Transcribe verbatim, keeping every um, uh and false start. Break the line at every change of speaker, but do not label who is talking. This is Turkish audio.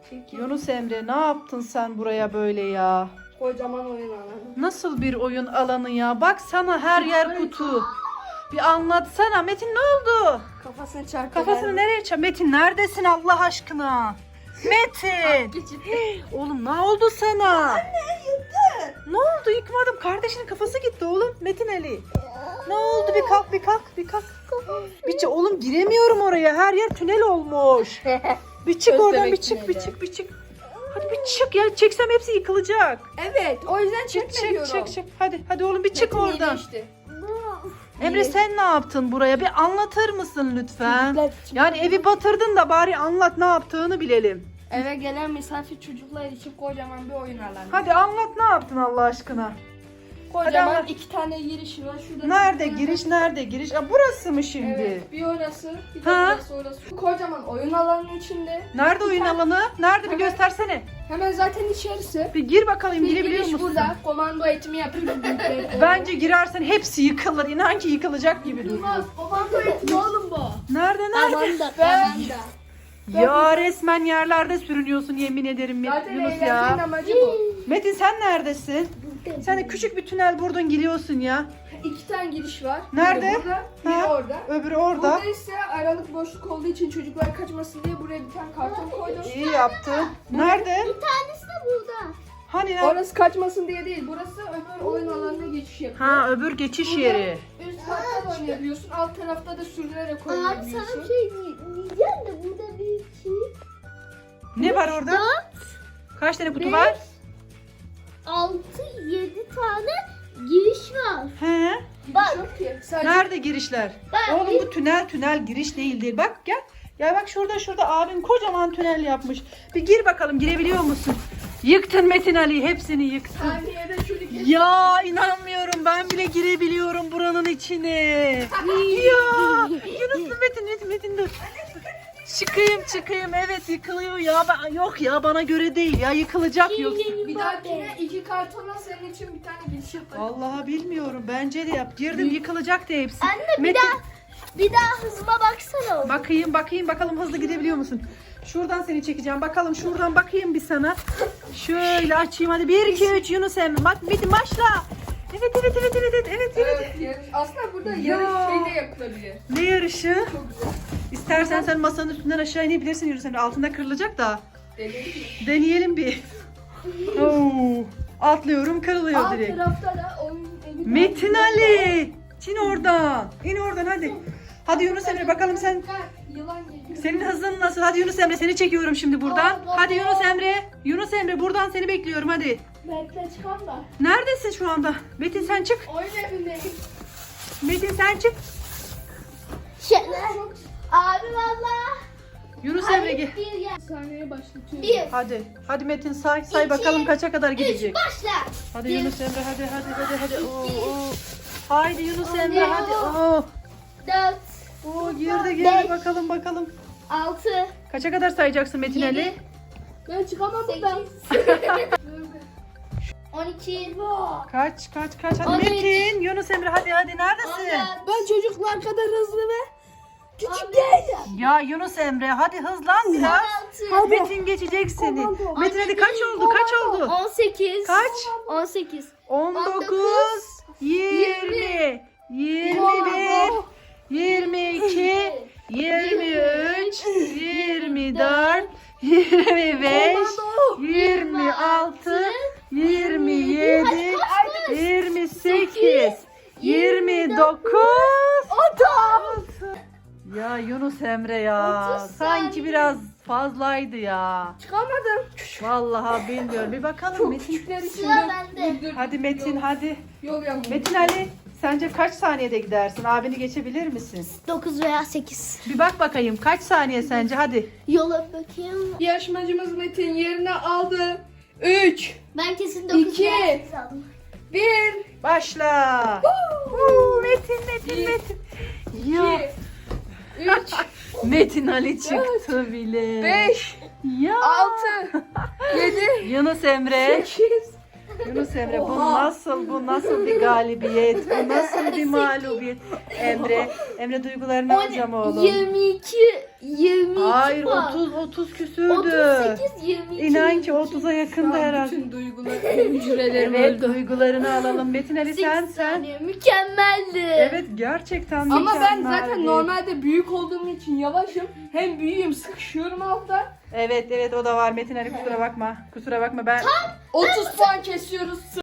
Çekil.
Yunus Emre, ne yaptın sen buraya böyle ya?
Kocaman oyun alanı.
Nasıl bir oyun alanı ya? Bak sana her yer kutu. Bir anlatsana. Metin ne oldu?
Kafasını çarptı.
Kafasını nereye çarp? Metin neredesin Allah aşkına? Metin.
Geçip.
Oğlum ne oldu sana?
Anne yıktı.
Ne oldu? Yıkmadım. Kardeşinin kafası gitti oğlum. Metin Ali. Ne oldu? Bir kalk, bir kalk, bir kalk. Bir çık. Oğlum giremiyorum oraya. Her yer tünel olmuş. Bir çık oradan, bir çık, bir çık, bir çık. Hadi bir çık ya. Çeksem hepsi yıkılacak.
Evet, o yüzden
Çık,
çekme
çık,
diyorum.
çık, çık. Hadi, hadi oğlum bir çık
Metin
oradan.
iyileşti.
Emre sen ne yaptın buraya? Bir anlatır mısın lütfen?
Çocuklar-
Yani evi batırdın da bari anlat ne yaptığını bilelim.
Eve gelen misafir çocuklar için kocaman bir oyun alanı.
Hadi anlat ne yaptın Allah aşkına?
Kocaman
hadi.
iki tane giriş var. Şurada
Nerede
bir tane-
giriş, nerede giriş? Aa, burası mı şimdi?
Evet, bir orası, bir de
Ha?
burası orası. Kocaman oyun alanının içinde.
Nerede oyun
tane-
alanı? Nerede bir
Hemen-
göstersene.
Hemen zaten içerisi.
Bir gir bakalım,
Bir
girebiliyor
giriş
musun?
burada. Komando eğitimi yapıyoruz.
Bence girersen hepsi yıkılır. İnan ki yıkılacak gibi duruyor.
Yılmaz, komando eğitimi oğlum bu.
Nerede, nerede?
Komando, komando.
Ya resmen yerlerde sürünüyorsun yemin ederim
Zaten
Yunus
eğlencenin
ya.
amacı bu.
Metin sen neredesin? Sen de küçük bir tünel buradan giriyorsun ya.
İki tane giriş var.
Nerede?
Biri burada, biri
Ha?
orada.
Öbürü orada.
Burada ise aralık boşluk olduğu için çocuklar kaçmasın diye buraya bir tane karton koydum.
İyi yaptın. Nerede?
Bir tanesi de burada.
Hani nerede?
Orası kaçmasın diye değil. Burası öbür oyun alanına geçiş yapıyor.
Ha öbür geçiş
Burada
yeri.
Üst katta da oynayabiliyorsun. Alt tarafta da sürünerek
Abi sana
oynayabiliyorsun.
bir şey diye- diyeceğim de burada bir şey.
Ne var orada?
Dört,
Kaç tane kutu
beş,
var?
altı, yedi tane giriş var.
He.
Bak. Yok ki. Sadece
Nerede girişler?
Ben
Oğlum bu tünel tünel giriş değil değil. Bak gel. Ya bak şurada şurada abin kocaman tünel yapmış. Bir gir bakalım girebiliyor musun? Yıktın Metin Ali hepsini yıktın.
saniyede çocuk
Ya inanmıyorum ben bile girebiliyorum buranın içine. Ya Yunus Metin Metin Metin dur. Çıkayım çıkayım evet yıkılıyor ya. Ben, yok ya bana göre değil ya yıkılacak yoksa.
Bir dahakine iki kartona senin için bir tane giriş yaparım.
Vallahi bilmiyorum bence de yap. Girdim yıkılacak da hepsi.
Anne bir
Metin,
daha bir daha hızıma baksana. oğlum.
bakayım bakayım bakalım hızlı gidebiliyor musun? Şuradan seni çekeceğim. Bakalım şuradan bakayım bir sana. Şöyle açayım hadi. bir iki üç Yunus Emre. Bak Metin başla. Evet evet evet evet evet evet. evet.
Evet, yarış. Aslında burada
Ya.
yarış şey de yapılabilir.
Ne yarışı?
Çok güzel.
İstersen sen masanın üstünden aşağı inebilirsin Yunus Emre. Altında kırılacak da.
Deneyelim.
Deneyelim bir. Oo. Atlıyorum kırılıyor
Alt
direkt.
tarafta da oyun evi.
Metin Ali. İn oradan. İn oradan hadi. Hadi Yunus Emre bakalım sen.
Yılan geliyor.
Senin hızın nasıl? Hadi Yunus Emre seni çekiyorum şimdi buradan. Hadi Yunus Emre. Yunus Emre buradan seni bekliyorum hadi.
Bekle çıkan da.
Neredesin şu anda? Metin sen çık.
Oyun evindeyim.
Metin sen çık.
Şöyle. Abi valla.
Yunus Emre gel.
Bir gel.
Sahneye başlatıyorum.
Bir.
Hadi. Hadi Metin say say
İki,
bakalım kaça kadar
Üç
gidecek.
başla.
Hadi
Bir.
Yunus Emre hadi hadi hadi hadi. Oo,
İki.
oo. Haydi Yunus
Oo.
Emre hadi. Oo.
Dört.
Oo girdi girdi
Beş.
bakalım bakalım.
Altı.
Kaça kadar sayacaksın Metin Ali?
Yedi.
Ben çıkamam buradan.
Sekiz. On iki.
Kaç kaç kaç hadi
On üç.
Metin. Yunus Emre hadi hadi
On
neredesin?
dört.
Ben çocuklar kadar hızlı ve küçük
On beş.
değilim.
Ya Yunus Emre hadi hızlan biraz.
On altı.
Metin geçecek seni.
Komando.
Metin hadi kaç oldu kaç oldu?
On sekiz.
Kaç?
On sekiz.
on
On
dokuz,
dokuz,
yirmi, yirmi bir, yirmi iki, yirmi üç, yirmi dört, yirmi beş, yirmi altı, yirmi yedi, yirmi sekiz, yirmi dokuz. Ya Yunus Emre ya.
otuz
Sanki
saniye.
biraz fazlaydı ya.
Çıkamadım.
Vallahi bilmiyorum. Bir bakalım
Çok
Metin.
küçükler için.
Sıra bende.
Dur, dur.
Hadi Metin
Yol-
hadi.
Yol yanıyor.
Metin Ali sence kaç saniyede gidersin? Abini geçebilir misin?
Dokuz veya sekiz.
Bir bak bakayım kaç saniye sence hadi.
Yola bakayım.
Yarışmacımız Metin yerine aldı. üç,
Ben kesin dokuz
İki.
veya sekiz aldım.
bir,
Başla. Huu, Metin Metin
Bir.
Metin. Ya
iki, üç,
Metin Ali çıktı bile.
beş,
Ya.
altı, yedi,
Yunus Emre.
sekiz.
Yunus Emre bu
Oha.
nasıl bu nasıl bir galibiyet? Bu nasıl bir mağlubiyet? Emre, Emre duygularını alacağım oğlum.
Yirmi iki, yirmi iki
Hayır
puan.
otuz otuz küsürdü.
otuz sekiz yirmi iki.
İnan ki otuza
Şu
yakındı
an
herhalde.
bütün duygular, hücrelerim
Evet
öldü.
duygularını alalım. Metin Ali sen
sekiz
sen.
saniye. Mükemmeldi.
Evet gerçekten
Ama ben
mükemmeldi.
zaten normalde büyük olduğum için yavaşım. Hem büyüğüm, sıkışıyorum altta.
Evet evet o da var Metin Ali kusura bakma. Kusura bakma ben
otuz puan kesiyoruz.